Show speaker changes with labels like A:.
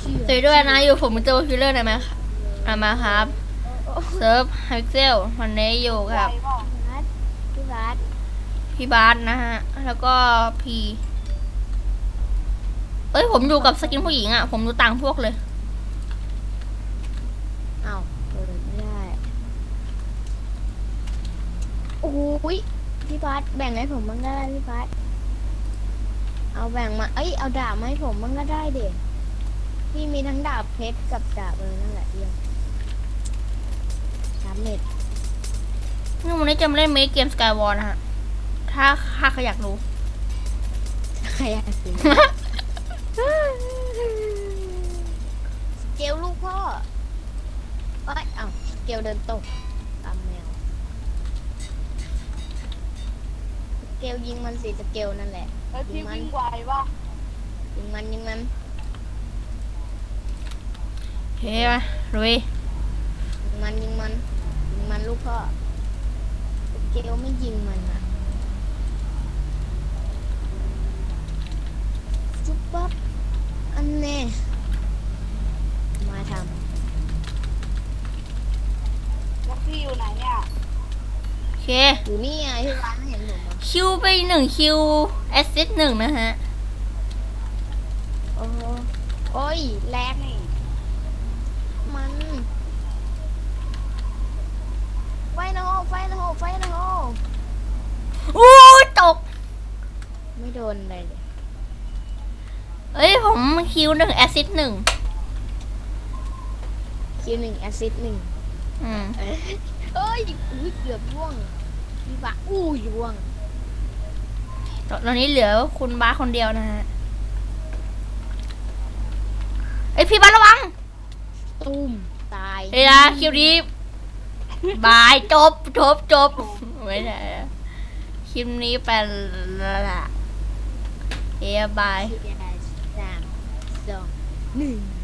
A: สวยด้วยนะอยู่ผมเป็นตัวคิลเลอร์ได้ไหมมาครับเซิร์ฟไฮเซลวันนี้อยู่กับพี่บาสนะฮะแล้วก็พีผมอยู่กับสกินผู้หญิงอ่ะผมดูต่างพวกเลย
B: อ้าวเปิดไม่ได้โอ้ยพี่บาสแบ่งให้ผมบ้างได้พี่บาสเอาแบ่งมาเอาดาบมาให้ผมบ้างก็ได้เด็กพี่มีทั้งดาบเพชรกับดาบนั่นแหละเดียว3 เม็ด
A: นี่วันนี้จะมาเล่นเกมสกายวอลนะฮะถ้าใครอยากรู้
B: ใครอยากรู้เกลลูกพ่อเกลเดินตกตามแมวเกลยิงมันสิสเกลนั่นแหละ
C: ยิงมันวิ่งไวป่ะ
B: ยิงมัน
A: เฮ้ยมาลุย
B: ยิงมันลูกพ่อเกลไม่ยิงมันอ่ะจุ๊บปั๊บอันแน่มาทำ
C: แล้วพี่อยู่ไหนเนี่ย
A: โอเค
B: อยู่นี่ไงที่ร้านเห็นผม
A: คิวไป1 คิวแอสซิสต์1นะฮะ
B: โอ้ยแลกนี่มันไฟนะโฮ
A: โอ้ยตก
B: ไม่โดนเลย
A: ผมคิว1แอสซิสต์1
B: คิว1แอสซิสต์1เกือบร่วงพี่บะร่วง
A: ตอนนี้เหลือคุณบ้าคนเดียวนะฮะพี่บ้าระวัง
B: ตุ้มตาย
A: เฮ้ยนะคิวนี้บายจบไม่ใช่คลิปนี้เป็นละบาย
B: 3 2 1